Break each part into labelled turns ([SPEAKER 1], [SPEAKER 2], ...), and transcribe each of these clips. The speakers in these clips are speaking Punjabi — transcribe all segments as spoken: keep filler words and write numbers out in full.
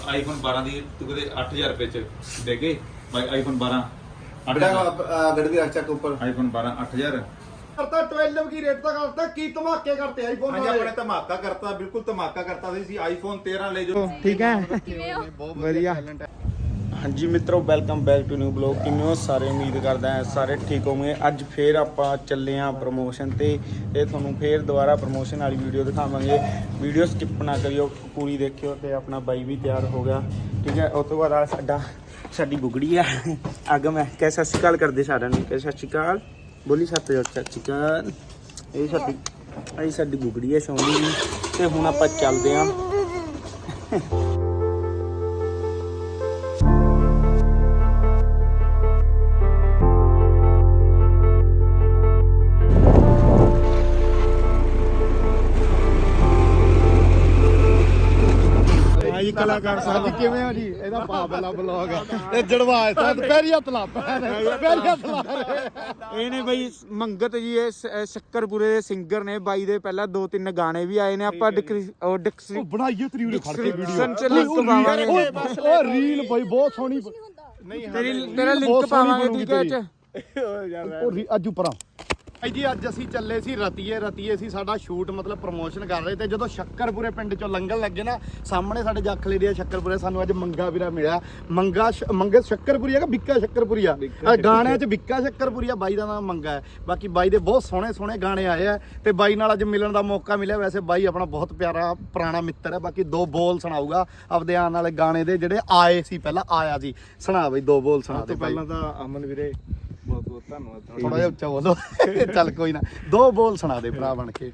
[SPEAKER 1] ਆਈਫੋਨ ਬਾਰਾਂ ਦੀ ਤੂੰ ਕਹਿੰਦੇ ਅੱਠ ਹਜ਼ਾਰ ਰੁਪਏ ਚ ਦੇ ਗਏ ਭਾਈ ਆਈਫੋਨ ਬਾਰਾਂ
[SPEAKER 2] गड़बी अच्छा के ऊपर
[SPEAKER 1] आईफोन बारह आठ हजार
[SPEAKER 3] करता ट्वेल्व की रेट तक करता की धमाके करते आईफोन
[SPEAKER 2] हाँ जी अपने धमाका करता बिल्कुल धमाका करता सी आईफोन तेरह ले जो
[SPEAKER 4] ठीक है बढ़िया। हाँ जी मित्रों welcome back to new blog किमें हो सारे उम्मीद करदा है सारे ठीक होंगे। अज फिर आप चले हाँ प्रमोशन ते ये थोनों फिर दोबारा प्रमोशन वाली वीडियो दिखावांगे। वीडियो स्किप ना करियो पूरी देखियो ते अपना बाई भी तैयार हो गया ठीक है। उस तो बाद आ साडा साडी बुगड़ी है अगम है कह सत श्री अकाल करदे सारिਆਂ ਨੂੰ कह सत श्री अकाल बोली सत सत श्री अकाल। ਇਹ ਸਾਡੀ ਇਹ ਸਾਡੀ ਬੁਗੜੀ ਹੈ ਸੋਹਣੀ ਤੇ ਹੁਣ ਆਪਾਂ ਚੱਲਦੇ ਆਂ।
[SPEAKER 3] कलाकार साहब किवें हो जी ਇਹਦਾ ਪਾਵਲਾ ਬਲੌਗ ਹੈ ਇਹ ਜੜਵਾਏ ਤਾਂ ਪੈਰੀ ਹੱਥ ਲਾ ਪੈਰੀ ਹੱਥ ਲਾ
[SPEAKER 4] ਇਹ ਨੇ ਬਈ ਮੰਗਤ ਜੀ ਇਹ ਸ਼ੱਕਰਪੁਰੇ ਦੇ ਸਿੰਗਰ ਨੇ ਬਾਈ ਦੇ ਪਹਿਲਾਂ ਦੋ ਤਿੰਨ ਗਾਣੇ ਵੀ ਆਏ ਨੇ ਆਪਾਂ ਉਹ ਡਿਕਸੀ
[SPEAKER 3] ਬਣਾਈਏ ਤਰੀ ਉਰੇ ਖੜ ਕੇ
[SPEAKER 4] ਵੀਡੀਓ ਚ ਲਿੰਕ ਪਾਵਾਂਗੇ
[SPEAKER 3] ਉਹ ਰੀਲ ਬਈ ਬਹੁਤ ਸੋਹਣੀ
[SPEAKER 4] ਨਹੀਂ ਤੇਰੀ ਤੇਰਾ ਲਿੰਕ ਪਾਵਾਂਗੇ ਠੀਕ ਹੈ ਚ
[SPEAKER 3] ਉਹ ਅੱਜ ਉਪਰਾਂ ਭਾਈ ਜੀ ਅੱਜ ਅਸੀਂ ਚੱਲੇ ਸੀ ਰਤੀਏ ਰਤੀਏ ਸੀ ਸਾਡਾ ਸ਼ੂਟ ਮਤਲਬ ਪ੍ਰਮੋਸ਼ਨ ਕਰ ਰਹੇ ਤੇ ਜਦੋਂ ਸ਼ੱਕਰਪੁਰੇ ਪਿੰਡ ਚੋਂ ਲੰਘਣ ਲੱਗੇ ਨਾ ਸਾਹਮਣੇ ਸਾਡੇ ਜੱਖਲੇ ਦੇ ਸ਼ੱਕਰਪੁਰੇ ਸਾਨੂੰ ਅੱਜ ਮੰਗਾ ਵੀਰਾ ਮਿਲਿਆ। ਮੰਗਾ ਮੰਗੇ ਸ਼ੱਕਰਪੁਰੀ ਹੈਗਾ ਬਿੱਕਾ ਸ਼ੱਕਰਪੁਰੀ ਆ ਗਾਣਿਆਂ 'ਚ ਬਿੱਕਾ ਸ਼ੱਕਰਪੁਰੀ ਆ ਬਾਈ ਦਾ ਨਾਮ ਮੰਗਾ ਹੈ। ਬਾਕੀ ਬਾਈ ਦੇ ਬਹੁਤ ਸੋਹਣੇ ਸੋਹਣੇ ਗਾਣੇ ਆਏ ਆ ਤੇ ਬਾਈ ਨਾਲ ਅੱਜ ਮਿਲਣ ਦਾ ਮੌਕਾ ਮਿਲਿਆ। ਵੈਸੇ ਬਾਈ ਆਪਣਾ ਬਹੁਤ ਪਿਆਰਾ ਪੁਰਾਣਾ ਮਿੱਤਰ ਹੈ। ਬਾਕੀ ਦੋ ਬੋਲ ਸੁਣਾਊਗਾ ਆਪਦੇ ਆਉਣ ਵਾਲੇ ਗਾਣੇ ਦੇ ਜਿਹੜੇ ਆਏ ਸੀ ਪਹਿਲਾਂ ਆਇਆ ਸੀ ਸੁਣਾ ਬਈ ਦੋ ਬੋਲ ਸੁਣਾ ਦੇ।
[SPEAKER 2] ਪਹਿਲਾਂ ਤਾਂ ਅਮਨ ਵੀਰੇ ਬਹੁਤ ਬਹੁਤ ਧੰਨਵਾਦ
[SPEAKER 3] ਥੋੜਾ ਜਿਹਾ ਉੱਚਾ ਬੋਲੋ ਚੱਲ ਕੋਈ ਨਾ ਦੋ ਬੋਲ ਸੁਣਾ ਦੇ ਭਰਾ ਬਣ ਕੇ।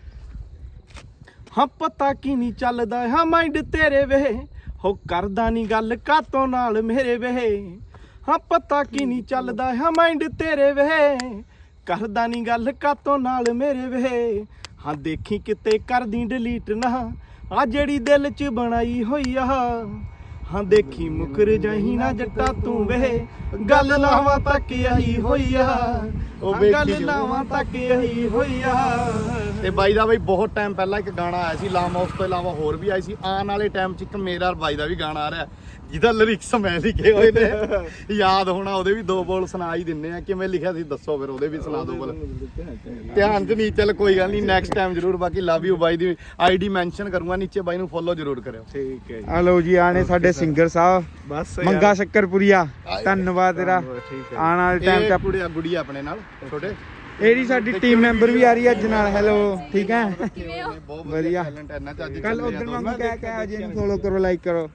[SPEAKER 3] ਹਾਂ ਪਤਾ ਕੀ ਨਹੀਂ ਚੱਲਦਾ ਹਾਂ ਮਾਈਂਡ ਤੇਰੇ ਵੇ ਹੋ ਕਰਦਾ ਨਹੀਂ ਗੱਲ ਕਾਤੋਂ ਨਾਲ ਮੇਰੇ ਵੇ। ਹਾਂ ਪਤਾ ਕੀ ਨਹੀਂ ਚੱਲਦਾ ਹਾਂ ਮਾਈਂਡ ਤੇਰੇ ਵੇ ਕਰਦਾ ਨਹੀਂ ਗੱਲ ਕਾਤੋਂ ਨਾਲ ਮੇਰੇ ਵੇ। ਹਾਂ ਦੇਖੀ ਕਿਤੇ ਕਰਦੀ ਡਿਲੀਟ ਨਾ ਆ ਜਿਹੜੀ ਦਿਲ 'ਚ ਬਣਾਈ ਹੋਈ ਆ। ਹਾਂ ਦੇਖੀ ਮੁਕਰ ਜਾਹੀ ਨਾ ਜੱਟਾ ਤੂੰ ਵੇ ਗੱਲ ਲਾਵਾਂ ਤੱਕ ਆਈ ਹੋਈ ਆ। ਉਹ ਗੱਲ ਲਾਵਾਂ ਤੱਕ ਆਈ ਹੋਈ ਆ। ਤੇ ਬਾਈ ਦਾ ਬਈ ਬਹੁਤ ਟਾਈਮ ਪਹਿਲਾਂ ਇੱਕ ਗਾਣਾ ਆਇਆ ਸੀ ਲਾਮਾ ਉਸ ਤੋਂ ਇਲਾਵਾ ਹੋਰ ਵੀ ਆਈ ਸੀ। ਆਉਣ ਵਾਲੇ ਟਾਈਮ 'ਚ ਇੱਕ ਮੇਰਾ ਬਾਈ ਦਾ ਵੀ ਗਾਣਾ ਆ ਰਿਹਾ ਜਿਹਦਾ ਲਿਰਿਕਸ ਮੈਂ ਲਿਖੇ ਹੋਏ ਨੇ ਯਾਦ ਹੋਣਾ ਉਹਦੇ ਵੀ ਦੋ ਬੋਲ ਸੁਣਾ ਹੀ ਦਿੰਨੇ ਆ। ਕਿਵੇਂ ਲਿਖਿਆ ਸੀ ਦੱਸੋ ਫਿਰ ਉਹਦੇ ਵੀ ਸੁਣਾ ਦੋ ਬੋਲ ਧਿਆਨ 'ਚ ਨਹੀਂ ਚੱਲ ਕੋਈ ਗੱਲ ਨਹੀਂ ਨੈਕਸਟ ਟਾਈਮ ਜ਼ਰੂਰ। ਬਾਕੀ ਲਵ ਯੂ ਬਾਈ ਦੀ ਆਈਡੀ ਮੈਂਸ਼ਨ ਕਰੂੰਗਾ ਨੀਚੇ ਬਾਈ ਨੂੰ ਫੋਲੋ ਜ਼ਰੂਰ ਕਰਿਓ ਠੀਕ ਹੈ।
[SPEAKER 4] ਆ ਲਓ ਜੀ ਆਣੇ ਸਾਡੇ ਸਿੰਗਰ ਸਾਹਿਬ
[SPEAKER 3] ਬਸ
[SPEAKER 4] ਮੰਗਾ ਸ਼ੱਕਰਪੁਰੀਆ ਧੰਨਵਾਦ ਤੇਰਾ ਆਉਣ ਵਾਲੇ ਟਾਈਮ ਤੇ
[SPEAKER 3] ਕੁੜੀ ਗੁੜੀ ਆਪਣੇ ਨਾਲ ਛੋਟੇ
[SPEAKER 4] ਇਹਦੀ ਸਾਡੀ ਟੀਮ ਮੈਂਬਰ ਵੀ ਆ ਰਹੀ ਹੈ ਅੱਜ ਨਾਲ। ਹੈਲੋ ਠੀਕ ਹੈ ਵਧੀਆ ਕੱਲ ਉਧਰ ਵਾਂਗੂ ਕਹਿ ਕਹਿ ਅਜੇ ਨੂੰ ਫੋਲੋ ਕਰੋ ਲਾਈਕ ਕਰੋ।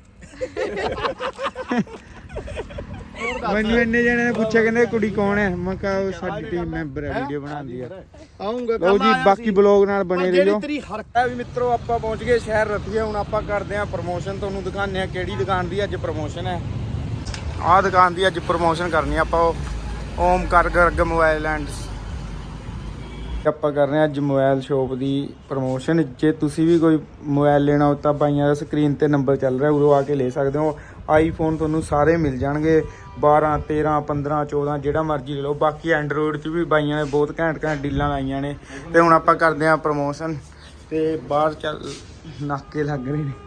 [SPEAKER 4] ਮੈਨੂੰ ਇੰਨੇ ਜਣੇ ਨੇ ਪੁੱਛਿਆ ਕਹਿੰਦੇ ਕੁੜੀ ਕੌਣ ਹੈ ਮੈਂ ਕਿਹਾ ਉਹ ਸਾਡੀ ਟੀਮ ਮੈਂਬਰ ਹੈ ਵੀਡੀਓ ਬਣਾਉਂਦੀ ਹੈ।
[SPEAKER 3] ਆਉਂਗਾ
[SPEAKER 4] ਲਓ ਜੀ ਬਾਕੀ ਬਲੌਗ ਨਾਲ ਬਣੇ ਰਹੀਓ। ਹੈ ਵੀ ਮਿੱਤਰੋ ਆਪਾਂ ਪਹੁੰਚ ਗਏ ਸ਼ਹਿਰ ਰਤੀਏ। ਹੁਣ ਆਪਾਂ ਕਰਦੇ ਹਾਂ ਪ੍ਰਮੋਸ਼ਨ ਤੁਹਾਨੂੰ ਦਿਖਾਉਂਦੇ ਹਾਂ ਕਿਹੜੀ ਦੁਕਾਨ ਦੀ ਅੱਜ ਪ੍ਰਮੋਸ਼ਨ ਹੈ। ਆਹ ਦੁਕਾਨ ਦੀ ਅੱਜ ਪ੍ਰਮੋਸ਼ਨ ਕਰਨੀ ਆਪਾਂ ਓਮਕਾਰ ਗਰਗ ਮੋਬਾਈਲ ਐਂਡ ਆਪਾਂ ਕਰ ਰਹੇ ਹਾਂ ਅੱਜ ਮੋਬਾਈਲ ਸ਼ੋਪ ਦੀ ਪ੍ਰਮੋਸ਼ਨ। ਜੇ ਤੁਸੀਂ ਵੀ ਕੋਈ ਮੋਬਾਈਲ ਲੈਣਾ ਹੋ ਤਾਂ ਬਾਈਆਂ ਦਾ ਸਕਰੀਨ ਤੇ ਨੰਬਰ ਚੱਲ ਰਿਹਾ ਉਰੋਂ ਆ ਕੇ ਲੈ ਸਕਦੇ ਹੋ। ਆਈਫੋਨ ਤੁਹਾਨੂੰ ਸਾਰੇ ਮਿਲ ਜਾਣਗੇ ਬਾਰਾਂ ਤੇਰਾਂ ਪੰਦਰਾਂ ਚੌਦਾਂ ਜਿਹੜਾ ਮਰਜ਼ੀ ਲੈ ਲਓ। ਬਾਕੀ ਐਂਡਰੋਇਡ 'ਚ ਵੀ ਬਾਈਆਂ ਨੇ ਬਹੁਤ ਘੈਂਟ ਘੈਂਟ ਡੀਲਾਂ ਲਾਈਆਂ ਨੇ। ਤੇ ਹੁਣ ਆਪਾਂ ਕਰਦੇ ਹਾਂ ਪ੍ਰਮੋਸ਼ਨ ਤੇ ਬਾਹਰ ਚੱਲ ਨਾਕੇ ਲੱਗ ਰਹੇ ਨੇ।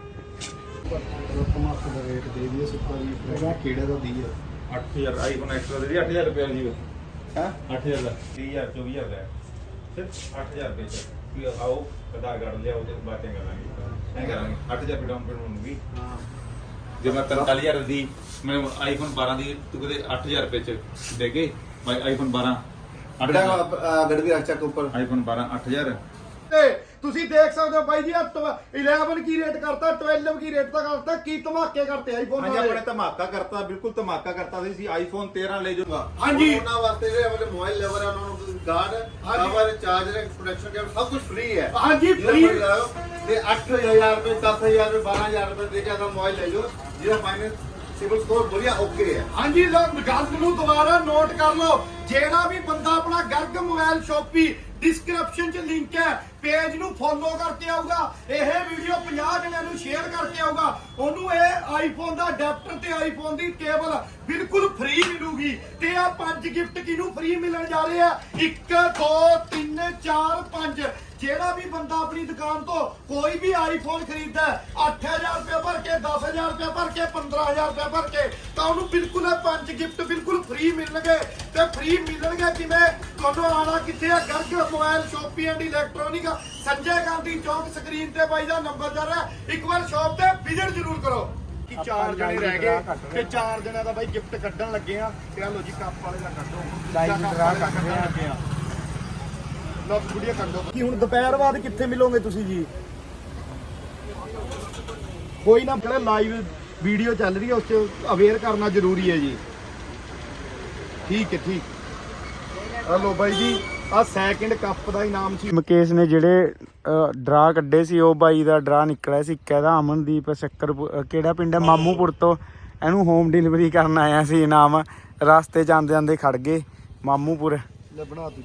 [SPEAKER 2] ਕਿਹੜੇ ਦਾ ਦੀ
[SPEAKER 1] ਅੱਠ ਹਜ਼ਾਰ ਆਈਫੋਨ ਐਕਸਟਰਾ ਦੇ ਅੱਠ ਹਜ਼ਾਰ ਰੁਪਏ ਜੀ ਹਾਂ ਅੱਠ ਹਜ਼ਾਰ ਦਾ ਤੀਹ ਹਜ਼ਾਰ ਚੌਵੀ ਹਜ਼ਾਰ ਦਾ ਸਿਰਫ ਅੱਠ ਹਜ਼ਾਰ ਰੁਪਏ ਚ ਆਓ ਆਧਾਰ ਕਾਰਡ ਲਿਆਓ ਤੇ ਬਾਤਾਂ ਕਰਾਂਗੇ ਐਂ ਕਰਾਂਗੇ ਅੱਠ ਹਜ਼ਾਰ ਰੁਪਏ ਡਾਊਨ ਪੇਮੈਂਟ ਹੋਊਗੀ। ਜੇ ਮੈਂ ਪੰਤਾਲੀ ਹਜ਼ਾਰ ਦੀ ਮੈਂ ਆਈਫੋਨ ਬਾਰਾਂ ਦੀ ਤੂੰ ਕਹਿੰਦੇ ਅੱਠ ਹਜ਼ਾਰ ਰੁਪਏ ਚ ਦੇ ਗਏ ਭਾਈ ਆਈਫੋਨ ਬਾਰਾਂ
[SPEAKER 2] गड़बी अच्छा के ऊपर
[SPEAKER 1] ਆਈਫੋਨ ਬਾਰਾਂ ਅੱਠ ਹਜ਼ਾਰ
[SPEAKER 3] ਤੁਸੀਂ ਦੇਖ ਸਕਦੇ ਹੋ ਬਾਈ ਜੀ इलेवन की रेट करता ट्वेल्व की रेट तक करता की धमाके करते आईफोन
[SPEAKER 2] हाँ जी अपने धमाका करता बिल्कुल धमाका करता सी आईफोन तेरह ले जो
[SPEAKER 3] हाँ जी
[SPEAKER 2] ਉਹਨਾਂ ਵਾਸਤੇ ਜਿਹੜੇ ਆਪਣੇ ਮੋਬਾਈਲ ਲਵਰ ਆ ਉਹਨਾਂ ਨੂੰ guard cover charger protection cap ਸਭ ਕੁਝ ਫ੍ਰੀ ਹੈ।
[SPEAKER 3] हाँ जी फ्री
[SPEAKER 2] ਤੇ ਅੱਠ ਹਜ਼ਾਰ ਰੁਪਏ ਦਸ ਹਜ਼ਾਰ ਰੁਪਏ ਬਾਰਾਂ ਹਜ਼ਾਰ ਰੁਪਏ ਦੇ ਕੇ ਆਪਣਾ ਮੋਬਾਈਲ ਲੈ ਜਾਓ ਜਿਹਦਾ ਫਾਈਨੈਂਸ ਸਿਵਲ ਸਕੋਰ ਵਧੀਆ ਓਕੇ ਹੈ।
[SPEAKER 3] हाँ जी लोग गल ਨੂੰ ਦੁਬਾਰਾ ਨੋਟ ਕਰ ਲਓ ਜਿਹੜਾ ਵੀ ਬੰਦਾ ਆਪਣਾ ਗਰਗ ਮੋਬਾਈਲ ਸ਼ੋਪੀ डिस्क्रिप्शन च लिंक है ਪੇਜ ਨੂੰ ਫੋਲੋ ਕਰਕੇ ਆਊਗਾ, ਇਹ ਵੀਡੀਓ ਪੰਜਾਹ ਜਣਿਆਂ ਨੂੰ ਸ਼ੇਅਰ ਕਰਕੇ ਆਊਗਾ, ਉਹਨੂੰ ਇਹ ਆਈਫੋਨ ਦਾ ਅਡਾਪਟਰ ਤੇ ਆਈਫੋਨ ਦੀ ਕੇਬਲ ਬਿਲਕੁਲ ਫ੍ਰੀ ਮਿਲੂਗੀ। ਤੇ ਆ ਪੰਜ ਗਿਫਟ ਕਿਹਨੂੰ ਫ੍ਰੀ ਮਿਲਣ ਜਾ ਰਹੇ ਆ? ਇੱਕ ਦੋ ਤਿੰਨ ਚਾਰ ਪੰਜ। ਜਿਹੜਾ ਵੀ ਬੰਦਾ ਆਪਣੀ ਦੁਕਾਨ ਤੋਂ ਕੋਈ ਵੀ ਆਈਫੋਨ ਖਰੀਦਦਾ ਅੱਠ ਹਜ਼ਾਰ ਰੁਪਏ ਭਰ ਕੇ, ਦਸ ਹਜ਼ਾਰ ਰੁਪਏ ਭਰ ਕੇ, ਪੰਦਰਾਂ ਹਜ਼ਾਰ ਰੁਪਏ ਭਰ ਕੇ, ਤਾਂ ਉਹਨੂੰ ਬਿਲਕੁਲ ਇਹ ਪੰਜ ਗਿਫਟ ਬਿਲਕੁਲ ਫ੍ਰੀ ਮਿਲਣਗੇ। ਤੇ ਫ੍ਰੀ ਮਿਲਣਗੇ ਕਿਵੇਂ? ਤੁਹਾਨੂੰ ਆਣਾ ਕਿੱਥੇ ਆ? Garg mobile shoppe and electronic, Sanjay Gandhi Chowk, screen ਤੇ ਬਾਈ ਦਾ ਨੰਬਰ ਚੱਲ ਰਿਹਾ। ਇੱਕ ਵਾਰ ਸ਼ਾਪ ਤੇ ਵਿਜ਼ਿਟ ਜ਼ਰੂਰ ਕਰੋ। ਕਿ ਚਾਰ ਜਣੇ ਰਹਿ ਗਏ ਤੇ ਚਾਰ ਜਣਿਆਂ ਦਾ ਬਾਈ ਗਿਫਟ ਕੱਢਣ ਲੱਗੇ ਆ। ਤੇ ਆ ਲੋ ਜੀ ਕੱਪ ਵਾਲੇ ਦਾ ਕੱਢੋ,
[SPEAKER 4] ਲਾਈਵ ਡਰਾ ਕੱਢਣ
[SPEAKER 3] ਲੱਗੇ ਆ। ਲੋ ਵੀਡੀਓ ਕੱਢੋ। ਕੀ ਹੁਣ ਦੁਪਹਿਰ ਬਾਅਦ ਕਿੱਥੇ ਮਿਲੋਗੇ ਤੁਸੀਂ ਜੀ? ਕੋਈ ਨਾ, ਜਿਹੜੇ ਲਾਈਵ ਵੀਡੀਓ ਚੱਲ ਰਹੀ ਹੈ ਉਸ 'ਚ ਅਵੇਅਰ ਕਰਨਾ ਜ਼ਰੂਰੀ ਹੈ ਜੀ। ਠੀਕ ਹੈ, ਠੀਕ। ਆ ਲੋ ਬਾਈ ਜੀ, ਆ ਸੈਕਿੰਡ ਕੱਪ ਦਾ ਇਨਾਮ ਸੀ।
[SPEAKER 4] ਮੁਕੇਸ਼ ਨੇ ਜਿਹੜੇ ਡਰਾ ਕੱਢੇ ਸੀ, ਉਹ ਬਾਈ ਦਾ ਡਰਾ ਨਿਕਲਿਆ ਸੀ। ਇੱਕ ਇਹਦਾ ਅਮਨਦੀਪ ਸ਼ੱਕਰ, ਕਿਹੜਾ ਪਿੰਡ ਹੈ, ਮਾਮੂਪੁਰ ਤੋਂ। ਇਹਨੂੰ ਹੋਮ ਡਿਲੀਵਰੀ ਕਰਨ ਆਇਆ ਸੀ ਇਨਾਮ। ਰਸਤੇ 'ਚ ਆਉਂਦੇ ਆਉਂਦੇ ਖੜ ਗਏ ਮਾਮੂਪੁਰ।
[SPEAKER 3] ਲੈ ਬਣਾ